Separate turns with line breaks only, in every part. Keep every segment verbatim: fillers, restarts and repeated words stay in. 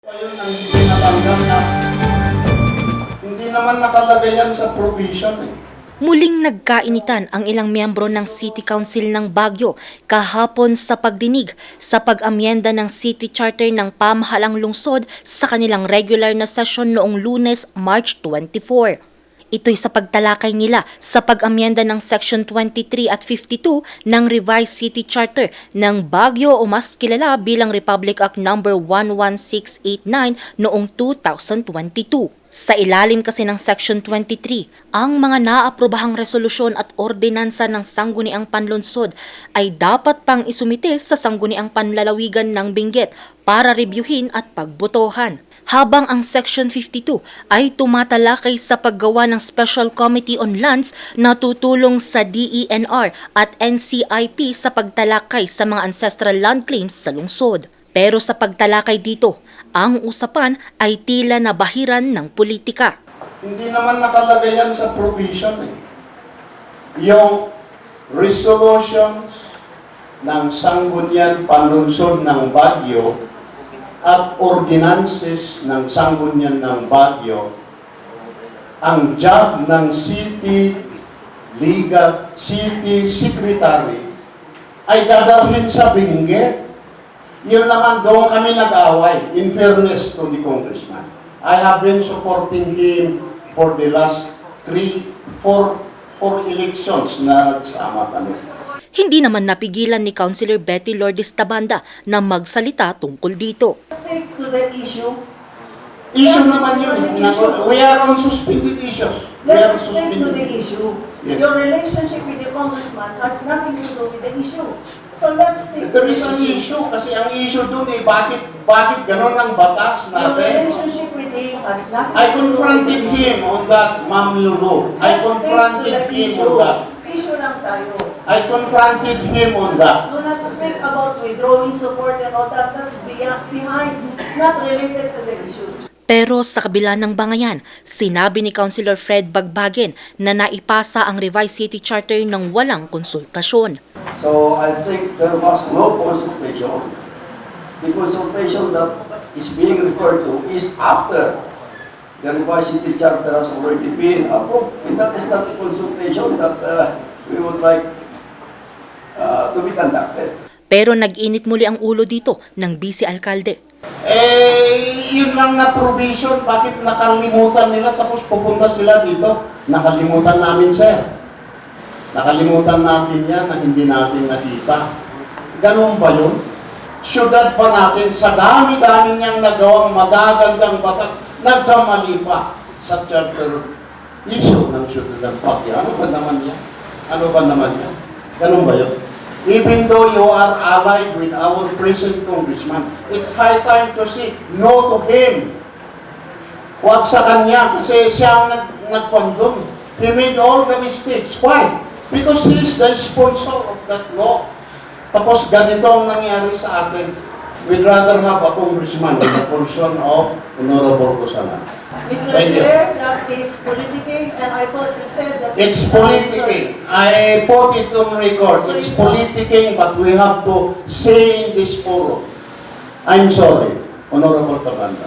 Ayun ang hindi natanggap na hindi naman nakalagay yan sa provision eh.
Muling nagkainitan ang ilang miyembro ng City Council ng Baguio kahapon sa pagdinig sa pag-amyenda ng City Charter ng pamahalang lungsod sa kanilang regular na session noong Lunes, March twenty-four. Ito'y sa pagtalakay nila sa pag-amyenda ng Section twenty-three at fifty-two ng Revised City Charter ng Baguio o mas kilala bilang Republic Act number one one six eight nine noong two thousand twenty-two. Sa ilalim kasi ng Section twenty-three, ang mga naaprobahang resolusyon at ordinansa ng sangguniang panlunsod ay dapat pang isumite sa sangguniang panlalawigan ng Benguet para rebyuhin at pagbotohan. Habang ang Section fifty-two ay tumatalakay sa paggawa ng Special Committee on Lands na tutulong sa D E N R at N C I P sa pagtalakay sa mga ancestral land claims sa lungsod. Pero sa pagtalakay dito, ang usapan ay tila nabahiran ng politika.
Hindi naman nakalagay yan sa provision eh. Yung resolutions ng sanggunian panlunsod ng Baguio at ordinances ng sanggunian ng Baguio, ang job ng City Legal City Secretary ay gagawin sa Benguet. Yun naman, doon kami nag-away, in fairness to the congressman. I have been supporting him for the last three, four, four elections na nagsama kami.
Hindi naman napigilan ni Councilor Betty Lourdes Tabanda na magsalita tungkol dito.
Stick to the issue.
Issue naman yun. We are on suspended issues. We are
Let us stick to the
suspended.
issue.
Yes.
Your relationship with the congressman has nothing to do with the issue. So let's stick to
There
the
is an
issue.
issue kasi ang issue doon eh, bakit, bakit ganon ang batas
Your
natin?
relationship with him has nothing
I
to do
confronted
with the
him
issue.
on that, Ma'am Lulu. I
Let's stick to
confronted
the
him
issue.
on that.
Issue lang tayo.
I confronted him on that.
Do not speak about withdrawing support and all that. That's beyond, behind. It's not related to the issue.
Pero sa kabila ng bangayan, sinabi ni Councilor Fred Bagbagen na naipasa ang Revised City Charter ng walang konsultasyon.
So I think there was no consultation. The consultation that is being referred to is after the revised city charter has already been approved. And that is not the consultation that uh, we would like uh, to be conducted.
Pero nag-init muli ang ulo dito ng Vice Alcalde.
Eh, yun lang na provision, bakit nakalimutan nila tapos pupunta sila dito? Nakalimutan namin, sir. Nakalimutan natin yan na hindi natin nakita. Ganun ba yun? Syudad pa natin, sa dami-dami niyang nagawang magagandang batas, nagkamali pa sa charter issue ng syudad ng Baguio. Ano ba naman yan? Ano ba naman yan? Ganun ba yun? Even though you are allied with our present congressman, it's high time to say no to him. Huwag sa kanya kasi siya ang nag nagpandong. He made all the mistakes. Why? Because he is the sponsor of that law. Tapos ganito ang nangyari sa atin. We'd rather have a congressman in the person of Honorable Cosana.
Mister
Thank you.
Chair, that is politicking, and I thought you said that...
It's politicking. I put it on record. It's politicking, but we have to say in this forum. I'm sorry, Honorable Tabanda.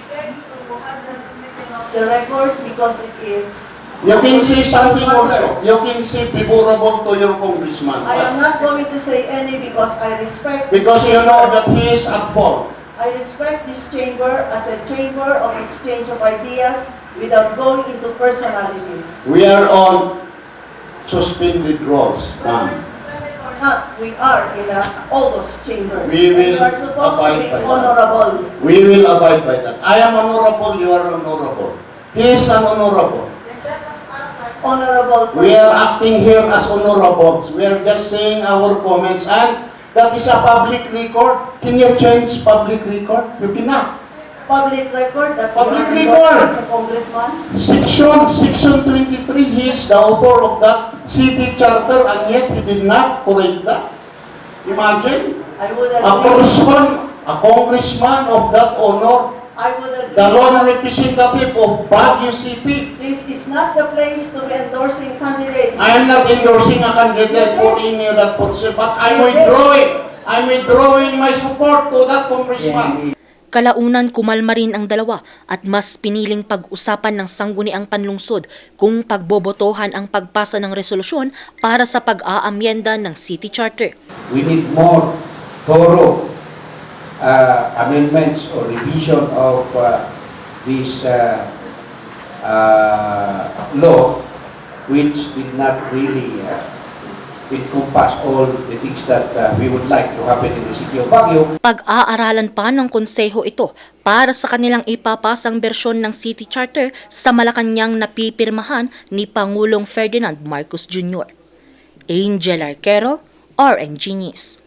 The record because it is...
You can say something also. You can say favorable to your congressman.
I am not going to say any because I respect...
Because
this
you know
chamber.
that he is at fault.
I respect this chamber as a chamber of exchange of ideas without going into personalities.
We are on suspended roles,
Whether
ma'am.
suspended or not, we are in a August chamber.
We
And
will
you are supposed to
abide
be
by that.
honorable.
We will abide by that. I am honorable, you are honorable. He is an honorable.
Then let us act like honorable
We are
persons.
acting here as honorables. We are just saying our comments and that is a public record. Can you change public record? You cannot.
Public record that
Public
you are
record.
endorsing the congressman.
Section, section twenty-three, he is the author of that city charter and yet he did not correct that. Imagine,
I would
a
agree.
person, a congressman of that honor,
I would agree.
the lone representative of Baguio City.
This is not the place to be endorsing candidates.
I am not endorsing a candidate for any of that person, but I'm withdrawing. I'm withdrawing my support to that congressman.
Kalaunan kumalma rin ang dalawa at mas piniling pag-usapan ng sangguniang panlungsod kung pagbobotohan ang pagpasa ng resolusyon para sa pag-aamyenda ng City Charter.
We need more thorough uh, amendments or revision of uh, this uh, uh, law, which did not really uh, encompass all the things that uh, we would like to happen in the city of Baguio.
Pag-aaralan pa ng konseho ito para sa kanilang ipapasang bersyon ng City Charter sa Malacanang na pipirmahan ni Pangulong Ferdinand Marcos Junior Angel Arquero, R N G News.